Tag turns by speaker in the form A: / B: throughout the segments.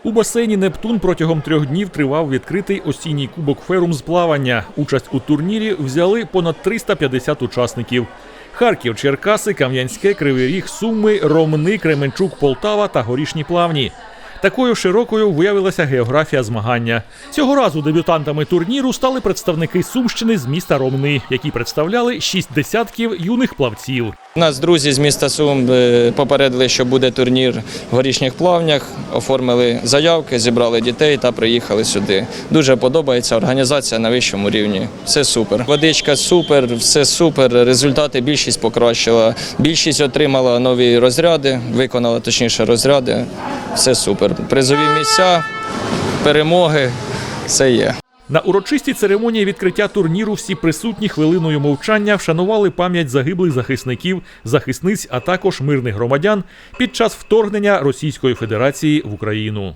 A: У басейні «Нептун» протягом 3 днів тривав відкритий осінній кубок «Ферум» з плавання. Участь у турнірі взяли понад 350 учасників. Харків, Черкаси, Кам'янське, Кривий Ріг, Суми, Ромни, Кременчук, Полтава та Горішні Плавні. Такою широкою виявилася географія змагання. Цього разу дебютантами турніру стали представники Сумщини з міста Ромни, які представляли 6 десятків юних плавців.
B: Нас друзі з міста Сум попередили, що буде турнір в Горішніх Плавнях, оформили заявки, зібрали дітей та приїхали сюди. Дуже подобається, організація на вищому рівні. Все супер. Водичка супер, все супер, результати більшість покращила. Більшість отримала нові розряди, виконала точніше розряди. Все супер. Призові місця, перемоги, все є.
A: На урочистій церемонії відкриття турніру всі присутні хвилиною мовчання вшанували пам'ять загиблих захисників, захисниць, а також мирних громадян під час вторгнення Російської Федерації в Україну.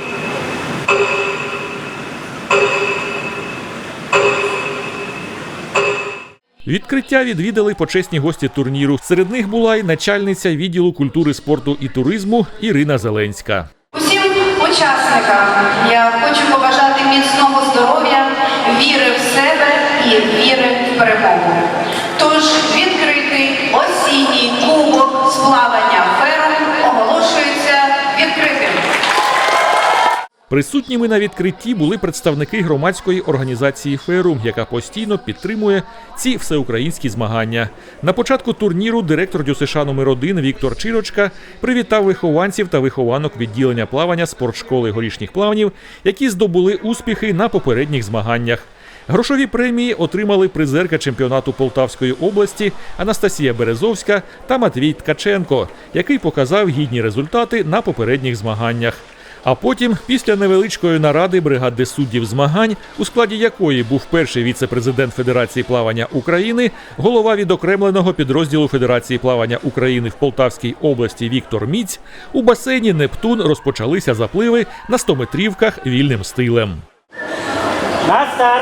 A: Відкриття відвідали почесні гості турніру. Серед них була й начальниця відділу культури, спорту і туризму Ірина Зеленська.
C: Усім учасникам я хочу побажати міцного здоров'я, віри в себе і віри в перемогу. Тож відкритий осінній кубок з плавання «Ферум» оголошується відкритим.
A: Присутніми на відкритті були представники громадської організації «Ферум», яка постійно підтримує ці всеукраїнські змагання. На початку турніру директор ДЮСШ номер 1 Віктор Чирочка привітав вихованців та вихованок відділення плавання спортшколи Горішніх Плавнів, які здобули успіхи на попередніх змаганнях. Грошові премії отримали призерка чемпіонату Полтавської області Анастасія Березовська та Матвій Ткаченко, який показав гідні результати на попередніх змаганнях. А потім, після невеличкої наради бригади суддів змагань, у складі якої був перший віце-президент Федерації плавання України, голова відокремленого підрозділу Федерації плавання України в Полтавській області Віктор Міць, у басейні «Нептун» розпочалися запливи на 100-метрівках вільним стилем.
D: На старт!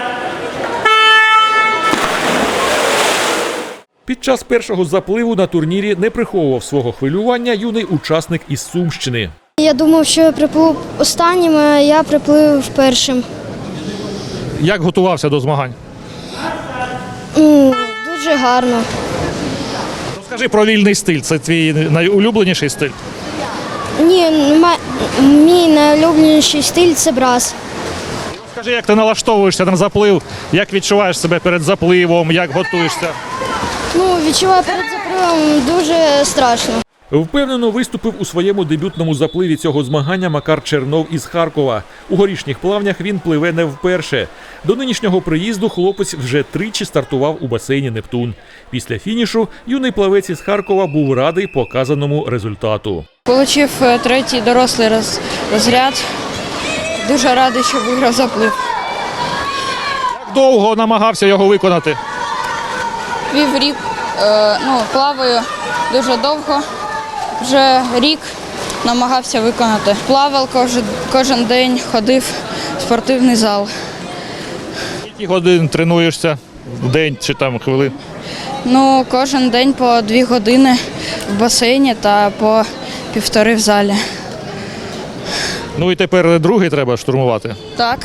A: Під час першого запливу на турнірі не приховував свого хвилювання юний учасник із Сумщини.
E: Я думав, що я приплив останнім, а я приплив першим.
D: Як готувався до змагань?
E: Дуже гарно.
D: Розкажи про вільний стиль. Це твій найулюбленіший стиль?
E: Ні, мій найулюбленіший стиль – це брас.
D: Розкажи, як ти налаштовуєшся на заплив, як відчуваєш себе перед запливом, як готуєшся?
E: Відчуваю перед запливом дуже страшно.
A: Впевнено виступив у своєму дебютному запливі цього змагання Макар Чернов із Харкова. У Горішніх Плавнях він пливе не вперше. До нинішнього приїзду хлопець вже тричі стартував у басейні «Нептун». Після фінішу юний плавець із Харкова був радий показаному результату.
F: Получив третій дорослий розряд. Дуже радий, що виграв заплив.
D: Як довго намагався його виконати?
F: Піврік, плаваю дуже довго. Вже рік намагався виконати. Плавав кожен день, ходив в спортивний зал.
D: Скільки годин тренуєшся в день чи там хвилин?
F: Кожен день по 2 години в басейні та по 1,5 в залі.
D: І тепер другий треба штурмувати?
F: Так.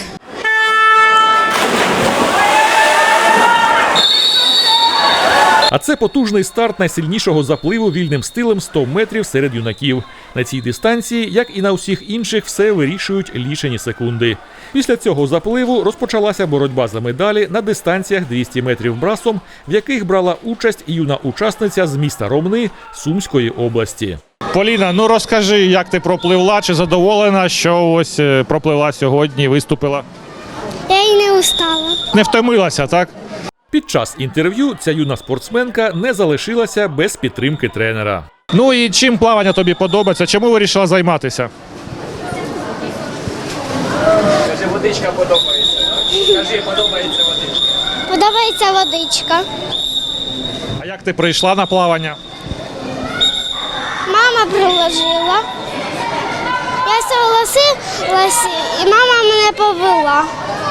A: А це потужний старт найсильнішого запливу вільним стилем 100 метрів серед юнаків. На цій дистанції, як і на усіх інших, все вирішують лічені секунди. Після цього запливу розпочалася боротьба за медалі на дистанціях 200 метрів брасом, в яких брала участь і юна учасниця з міста Ромни Сумської області.
D: Поліна, розкажи, як ти пропливла, чи задоволена, що ось пропливла сьогодні, виступила?
E: Я й не устала.
D: Не втомилася, так?
A: Під час інтерв'ю ця юна спортсменка не залишилася без підтримки тренера.
D: І чим плавання тобі подобається? Чому вирішила займатися?
B: Скажи, водичка подобається. Скажи, подобається водичка.
E: Подобається водичка.
D: А як ти прийшла на плавання?
E: Мама приложила. Я согласилась, і мама мене повела.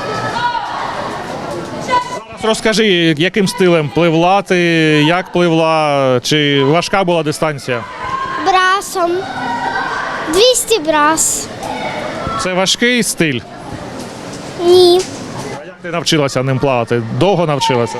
D: Розкажи, яким стилем пливла ти, як пливла, чи важка була дистанція?
E: Брасом. 200 брас.
D: Це важкий стиль.
E: Ні.
D: А як ти навчилася ним плавати? Довго навчилася?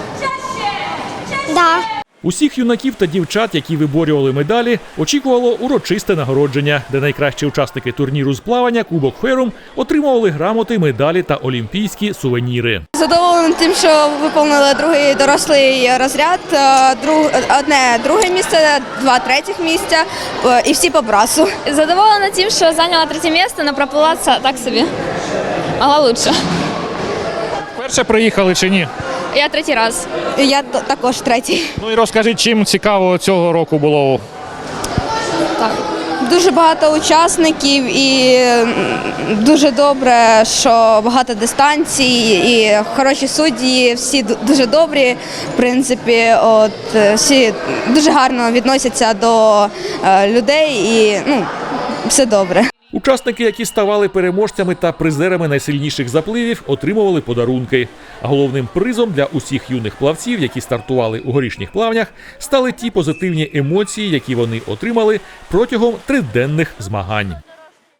E: Да.
A: Усіх юнаків та дівчат, які виборювали медалі, очікувало урочисте нагородження, де найкращі учасники турніру з плавання Кубок Ферум отримували грамоти, медалі та олімпійські сувеніри.
G: Задоволена тим, що виконали другий дорослий розряд, одне друге місце, два третіх місця і всі по брасу.
H: Задоволена тим, що зайняла третє місце, але проплила так собі. Могла лучше.
D: Перше приїхали чи ні?
H: Я третій раз.
G: Я також третій.
D: Ну і розкажи, чим цікаво цього року було?
G: Дуже багато учасників і дуже добре, що багато дистанцій і хороші судді, всі дуже добрі. В принципі, всі дуже гарно відносяться до людей і все добре.
A: Учасники, які ставали переможцями та призерами найсильніших запливів, отримували подарунки. А головним призом для усіх юних плавців, які стартували у горішніх плавнях, стали ті позитивні емоції, які вони отримали протягом триденних змагань.